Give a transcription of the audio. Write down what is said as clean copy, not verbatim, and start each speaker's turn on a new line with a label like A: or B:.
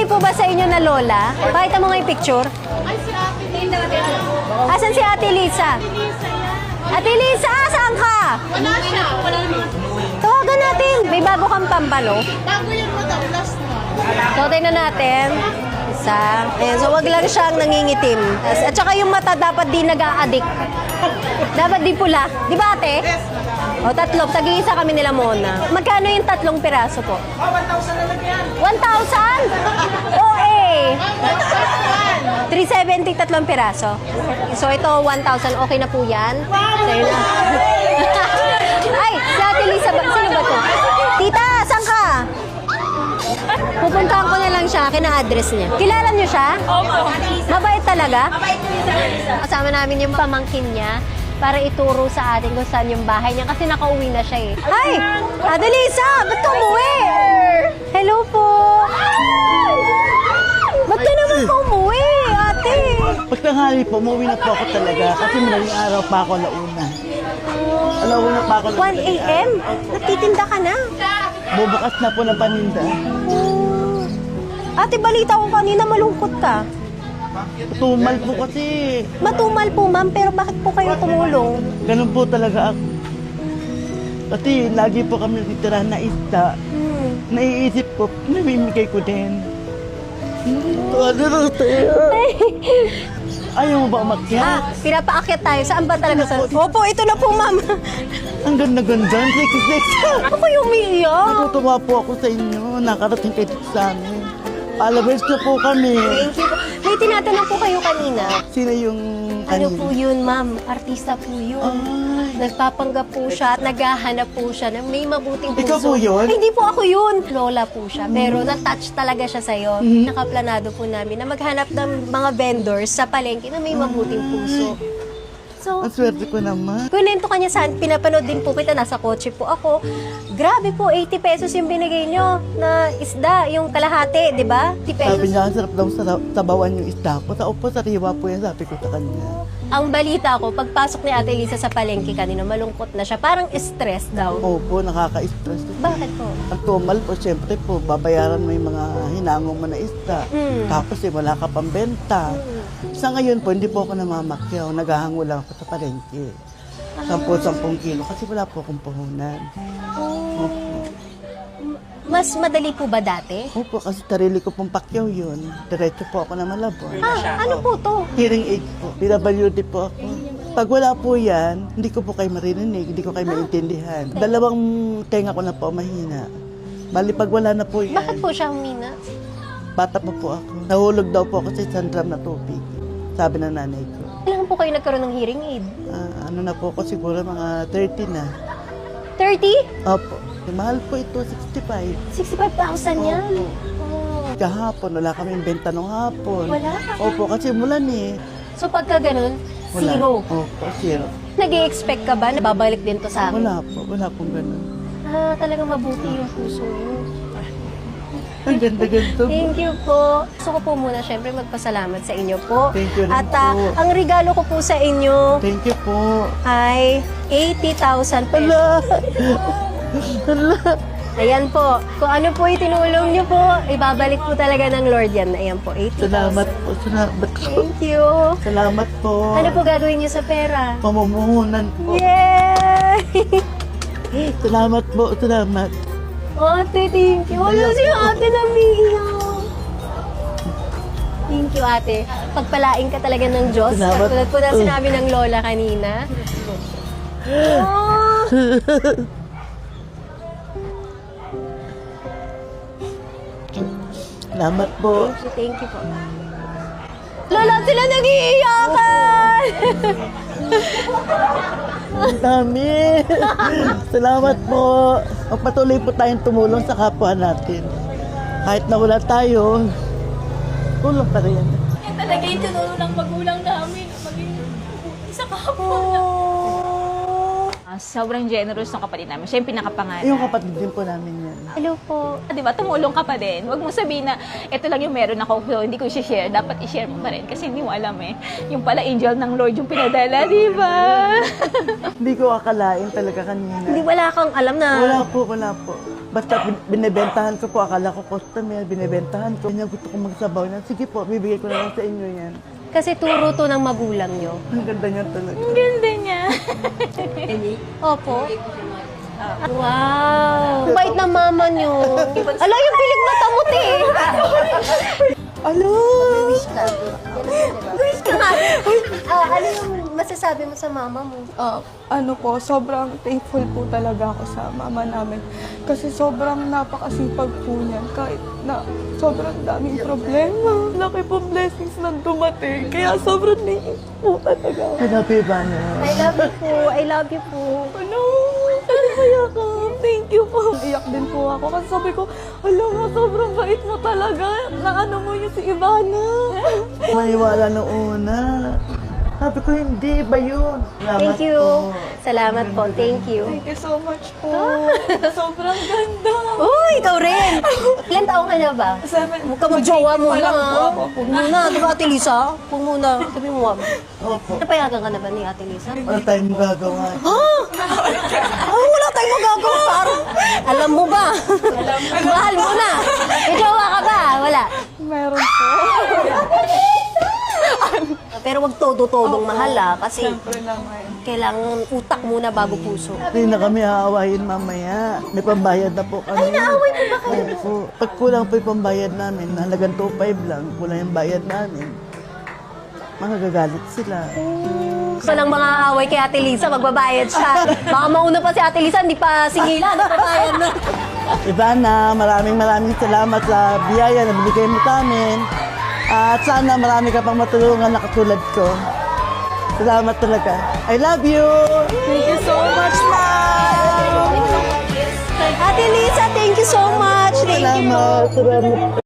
A: po ba sa inyo na lola? Pakita mo nga yung picture.
B: Ay, si Ate Lisa.
A: Asan si Ate Lisa? Ate Lisa, saan ka?
B: Wala siya. Wala naman.
A: Tawagan natin. May bago kang pambalo.
B: Bago yun mo daw, last na.
A: So, tingnan natin. Isa. Ayan, so, wag lang siyang nangingitim. At saka yung mata dapat di nag-a-addict. Dapat di pula. Di ba, ate? O, tatlo. Tag-iisa kami nila muna. Magkano yung tatlong piraso po? 1,000 na lang yan. 1,000? Oo, eh. 370 tatlong piraso. So, ito, 1,000. Okay na po yan. Sa'yo na. Ay, si Ate Lisa, sino ba to? Tita, saan ka? Pupuntahan ko na lang siya, kina-address niya. Kilala niyo siya?
B: Opo.
A: Mabait talaga? Kasama namin yung pamangkin niya para ituro sa atin kung saan yung bahay niya kasi nakauwi na siya eh. Hi! Ate Lisa! Ba't ka umuwi? Hello po! Ba't ka naman po umuwi, ate?
C: Pagtanghali po, umuwi na po ako talaga kasi madaling araw pa ako alauna. Alauna pa ako.
A: 1 a.m.? Nagtitinda ka na?
C: Bubukas na po ng paninda.
A: Ate, balita ko kanina malungkot ka.
C: Tumal po kasi.
A: Matumal po, ma'am, pero bakit po kayo tumulong?
C: Ganun po talaga ako. Kasi lagi po kami natitira na isda. Naiisip ko, namimigay ko din. Ano na tayo? Ayaw mo ba umakyat?
A: Pinapaakyat tayo. Saan ba talaga sa... Opo, ito na po, ma'am.
C: Ang ganda-ganda.
A: Ako yung umiiyak.
C: Natutuwa po ako sa inyo. Nakarating kayo dito sa amin. Followers na po kami.
A: Thank you po. May tinatanong po kayo kanina.
C: Sino yung
A: Ano po yun, ma'am? Artista po yun.
C: Ay.
A: Nagpapanggap po siya at naghahanap po siya ng may mabuting puso.
C: Ikaw po yun?
A: Ay, hindi po ako yun. Lola po siya. Pero na-touch talaga siya sa'yo. Nakaplanado po namin na maghanap ng mga vendors sa palengke na may mabuting puso. So,
C: Ang swerte ko naman.
A: kunento ka niya saan, pinapanood din po kita, nasa kotse po ako. Grabe po, 80 pesos yung binigay nyo na isda, yung kalahati, di ba? 80 pesos.
C: Sabi niya, ang sarap daw sabawan yung isda ko. Sa upo, sariwa po yan, sabi ko sa kanya.
A: Ang balita ko, pagpasok ni Ate Lisa sa palengke kanina, malungkot na siya. Parang stress daw.
C: Opo, nakaka-stress.
A: Bakit po?
C: Ang tumal po, siyempre po, babayaran mo yung mga hinangong mo na isda. Tapos wala ka pang benta. Sa ngayon po, hindi po ako namamakyaw. Naghahango lang ako sa palengke. 10 kilo kasi wala po akong puhunan. Opo.
A: Mas madali po ba dati?
C: Opo, kasi sarili ko pong pakyaw yun. Diretso po ako na Malabon.
A: Ano po to?
C: Hearing aid po. PWD po ako. Pag wala po yan, hindi ko po kayo maririnig, hindi ko kayo maintindihan. 2 tenga ko na po mahina. Bali, pag wala na po yan,
A: Bakit po siya humina?
C: bata pa po ako. Nahulog daw po ako sa 1 drum na tubig. Sabi ng nanay ko.
A: Kailan po kayo nagkaroon ng hearing aid?
C: Ano na po ako, siguro mga 30 na.
A: 30?
C: Opo. Mahal po ito, 65.
A: 65,000 yan.
C: Opo.
A: Oh.
C: Kahapon, wala kaming benta nung hapon.
A: Wala?
C: Opo, kasi mulan eh.
A: So pagka ganun,
C: Wala.
A: zero.
C: Opo, zero.
A: Nag-i-expect ka ba na babalik din to sa akin?
C: Wala pong ganun.
A: Talagang mabuti yung puso niyo.
C: Ang ganda-ganda.
A: Thank you po. Gusto ko po muna syempre magpasalamat sa inyo po.
C: Thank you rin
A: At
C: po.
A: ang regalo ko po sa inyo
C: Thank you po.
A: ay 80,000 pesos.
C: Hala! Hala!
A: Ayan po. Kung ano po itinulong niyo po, ibabalik po talaga ng Lord yan. Ayan po, 80,000.
C: Salamat po, salamat po.
A: Thank you.
C: Salamat po.
A: Ano po gagawin niyo sa pera?
C: Pamumuhunan po.
A: Yay!
C: Salamat po, salamat.
A: Ate, thank you. Wala si ate namiiyak. Thank you, ate. Pagpalain ka talaga ng Diyos.
C: Salamat.
A: Tulad po na sinabi ng lola kanina. Oh.
C: Salamat po.
A: Thank you po. Lola, sila nag-iiyakan!
C: Ang dami. Salamat po. Patuloy po tayong tumulong sa kapwa natin. Kahit na wala tayo, tulong pa rin.
B: Yan talaga yung tinulong ng magulang namin. Maging isa kapwa.
D: Sobrang generous ng kapatid namin. Siya yung pinakapangalan.
C: Yung kapatid din po namin yan.
A: Hello po.
D: Di ba, tumulong ka pa din. Huwag mo sabihin na, ito lang yung meron ako, so hindi ko i-share. Dapat i-share mo pa rin. Kasi hindi mo alam eh. Yung pala angel ng Lord yung pinadala, di ba?
C: Hindi ko akalain talaga kanina.
A: Hindi wala kang alam na
C: Wala po. Basta binibentahan ko po, akala ko customer, binibentahan ko. Kanya gusto kong magsabaw na, sige po, bibigay ko na lang sa inyo yan.
A: Kasi turo to ng magulang nyo.
C: Ang ganda niya talaga.
D: Ang ganda niya.
A: Opo. Wow! Ang bait na mama nyo. Ala, yung pilig mata mo, te.
C: Alo!
A: Ano yung masasabi mo sa mama mo?
E: Ano po, sobrang thankful po talaga ako sa mama namin. Kasi sobrang napakasipag po niyan. Kahit na sobrang daming problema. Laki po blessings na dumating. Kaya sobrang naiis po talaga.
C: Hanapi ba niya?
A: I love you po. I love you po.
E: Ano? Ano kaya ka? Thank you po. Iyak din po ako kasi sabi ko, alam mo, sobrang bait mo talaga. Naano mo yung si Ivana.
C: Maniwala nung una. Sabi ko, hindi ba yun? Salamat
A: Thank you.
C: po.
A: Salamat po. Thank you.
E: Thank you so much po. Sobrang ganda.
A: Uy, ikaw rin. Ilan taong ka na ba?
E: 7.
A: Huwag ka mag-jowa muna.
E: Walang po ako.
A: Huwag muna. Di ba, Ate Lisa? Huwag muna. Sabi mo, ma'am.
C: Opo.
A: Napayagan ka na ba ni Ate Lisa?
C: Wala tayong magagawa.
A: Wala tayong magagawa. Parang, alam mo ba? Mahal mo na. May jowa ka ba? Wala.
E: Meron po.
A: Pero wag todo-todong mahal kasi
E: Siyempre naman.
A: kailangan utak muna bago puso.
C: Hindi na kami aawayin mamaya. May pambayad na po kami. Ay, naaway po ba kayo? Opo. Pag kulang po yung pambayad namin, halagang 2.5 lang, kulang yung bayad namin, magagalit sila.
A: Sa lang mga away kay Ate Lisa, magbabayad siya. Baka mauna pa si Ate Lisa, hindi pa singilan, nagbabayad na.
C: Ivana, maraming salamat sa biyaya na binigay mo sa amin. At sana marami ka pang matulungan na katulad ko. Salamat talaga. I love you!
E: Thank you so much, Ma'am!
A: Ate Lisa, thank you so much. Thank you.
C: Salamat.